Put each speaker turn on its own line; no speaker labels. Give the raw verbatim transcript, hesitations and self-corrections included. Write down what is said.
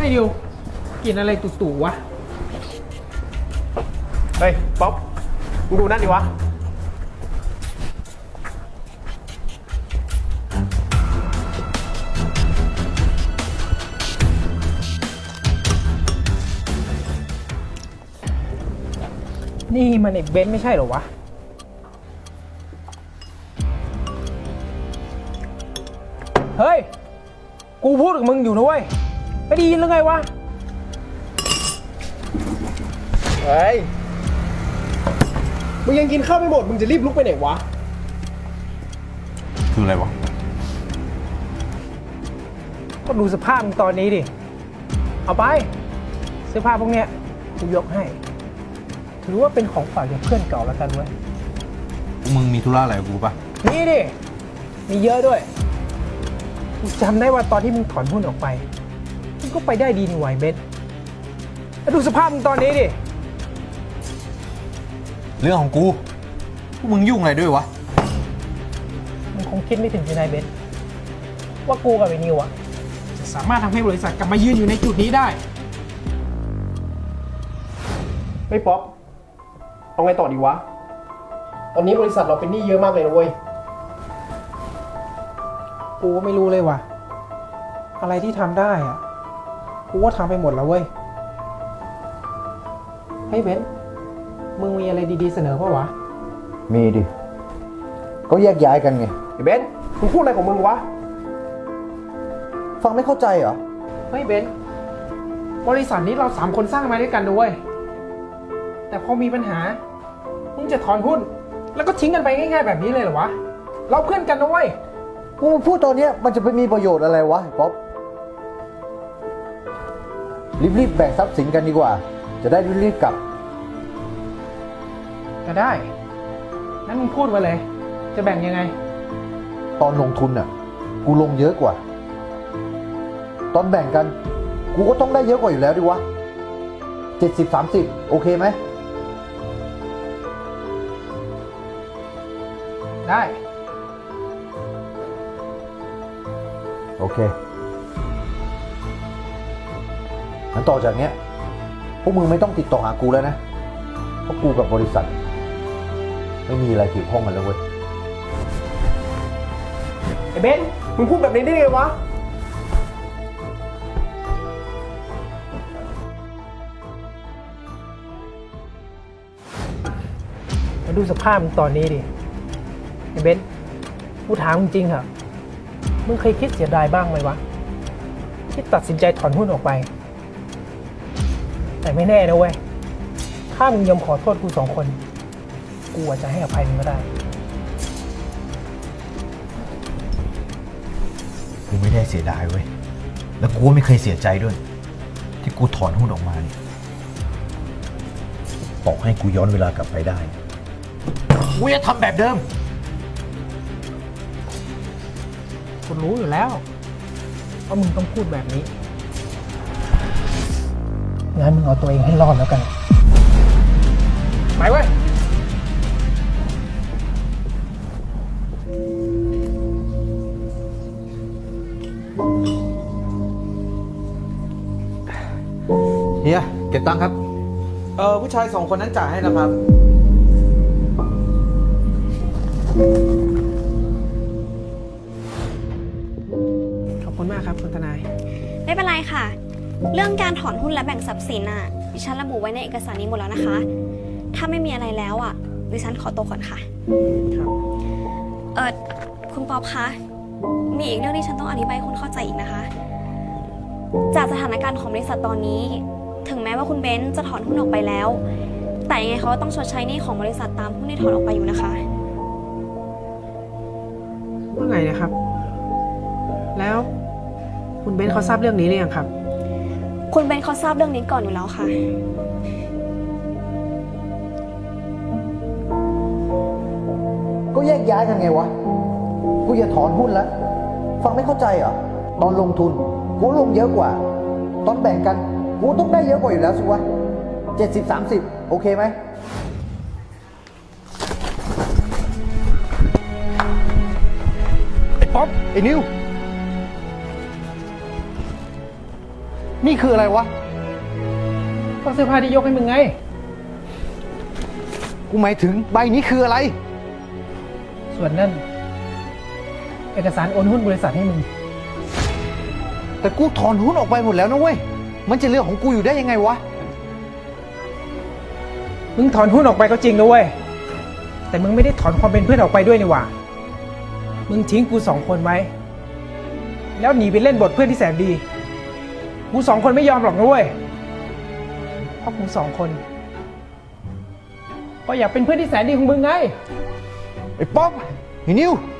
อ้ดิวกินอะไรตู่ๆวะ
เฮ้ยป๊อปมึงดูนั่นดิวะ
นี่มันไอ้เบนซ์ไม่ใช่เหรอวะเฮ้ยกูพูดกับมึงอยู่นะเว้ยไม่ได้ยินหรือไงวะ
เฮ้ยมึงยังกินข้าวไม่หมดมึงจะรีบลุกไปไหนวะ
คืออะไรวะ
ก็ดูสภาพมึงตอนนี้ดิเอาไปเสื้อผ้าพวกเนี้ยกูยกให้ถือว่าเป็นของฝากจากเพื่อนเก่าแล้วกันเว้ย
มึงมีธุระอะไรกับกูปะ
นี่ดิมีเยอะด้วยกูจำได้ว่าตอนที่มึงถอนหุ้นออกไปมึงก็ไปได้ดีนี่ไหวเบสแล้วดูสภาพมึงตอนนี้ดิ
เรื่องของกูพวกมึงยุ่งอะไรด้วยวะ
มึงคงคิดไม่ถึงใช่ไหมเบสว่ากูกับไอ้นิวอะจะสามารถทำให้บริษัทกลับมายืนอยู่ในจุดนี้ได้
ไม่ป๊อปเอาไงต่อดีวะตอนนี้บริษัทเราเป็นหนี้เยอะมากเลยนะเว้ย
กูก็ไม่รู้เลยว่ะอะไรที่ทำได้อะกูก็ทำไปหมดแล้วเว้ยเฮ้ยเบนมึงมีอะไรดีๆเสนอป่ะวะ
มีดิก็แยกย้ายกันไง
ไอ้เบนมึงพูดอะไรของมึงวะ
ฟังไม่เข้าใจเหรอ
เฮ้ยเบนบริษัทนี้เราสามคนสร้างมาด้วยกันด้วยแต่พอมีปัญหามึงจะถอนหุ้นแล้วก็ทิ้งกันไปง่ายๆแบบนี้เลยเหรอวะเราเพื่อนกันนะเว้ย
กูพูดตอนนี้มันจะไปมีประโยชน์อะไรวะป๊อปรีบๆแบ่งทรัพย์สินกันดีกว่าจะได้รีบๆกลับ
ก็ได้งั้นมึงพูดมาเลยจะแบ่งยังไง
ตอนลงทุนน่ะกูลงเยอะกว่าตอนแบ่งกันกูก็ต้องได้เยอะกว่าอยู่แล้วดิวะเจ็ดสิบสามสิบโอเคไหม
ได้
โอเคงั้นต่อจากเนี้ยพวกมึงไม่ต้องติดต่อหากูแล้วนะเพราะกูกับบริษัทไม่มีอะไรเกี่ยวข้องกันแล้วเว้ย
ไอ้เบนมึงพูดแบบนี้ได้ไงวะ
มาดูสภาพมึงตอนนี้ดิไอ้เบนกูถามจริงๆเหรอมึงเคยคิดเสียดายบ้างไหมวะที่ตัดสินใจถอนหุ้นออกไปแต่ไม่แน่นะเว้ยถ้ามึงยอมขอโทษกูสองคนกูอาจจะให้อภัยมึงก็ได้
กูไม่ได้เสียดายเว้ยแล้วกูไม่เคยเสียใจด้วยที่กูถอนหุ้นออกมาเนี่ยบอกให้กูย้อนเวลากลับไปได้กูจะทำแบบเดิม
กูรู้อยู่แล้วว่ามึงต้องพูดแบบนี้งั้นมึงเอาตัวเองให้รอดแล้วกันไปเว้ย
เฮียเก็บตังค์ครับ
เออผู้ชายสองคนนั้นจ่ายให้แล้วครับ
ขอบคุณมากครับคุณทนาย
ไม่เป็นไรค่ะเรื่องการถอนหุ้นและแบ่งทรัพย์สินน่ะดิฉันระบุไว้ในเอกสารนี้หมดแล้วนะคะถ้าไม่มีอะไรแล้วอ่ะดิฉันขอตัวก่อนค่ะ
ครับ
เออคุณป๊อปคะมีอีกเรื่องที่ฉันต้องอธิบายให้คุณเข้าใจอีกนะคะจากสถานการณ์ของบริษัทตอนนี้ถึงแม้ว่าคุณเบนซ์จะถอนหุ้นออกไปแล้วแต่ยังไงเขาต้องชดใช้หนี้ของบริษัทตามหุ้นที่ถอนออกไปอยู่นะคะ
ว่าไงนะครับแล้วคุณเบนซ์เขาทราบเรื่องนี้หรือยังครับ
คุณเบนซ์เขาทราบเรื่องนี้ก่อนอยู่แล้วค่ะ
ก็แยกย้ายกันไงวะกูอย่าถอนหุ้นแล้วฟังไม่เข้าใจเหรอตอนลงทุนกูลงเยอะกว่าตอนแบ่งกันกูต้องได้เยอะกว่าอยู่แล้วสิวะเจ็ดสิบสามสิบโอเคไหม
ไอ้ป๊อปไอ้นิว
นี่คืออะไรวะ
ก็เสื้อผ้าที่ยกให้มึงไง
กูหมายถึงใบนี้คืออะไร
ส่วนนั่น เอกสารโอนหุ้นบริษัทให้มึง
แต่กูถอนหุ้นออกไปหมดแล้วนะเว้ย มันจะเรื่องของกูอยู่ได้ยังไงวะ
มึงถอนหุ้นออกไปก็จริงนะเว้ย แต่มึงไม่ได้ถอนความเป็นเพื่อนออกไปด้วยนี่หว่า มึงทิ้งกูสองคนไว้ แล้วหนีไปเล่นบทเพื่อนที่แสนดี กูสองคนไม่ยอมหรอกนะเว้ย เพราะกูสองคน ก็อยากเป็นเพื่อนที่แสนดีของมึงไง
ไอ้ป๊อปไอ้นิว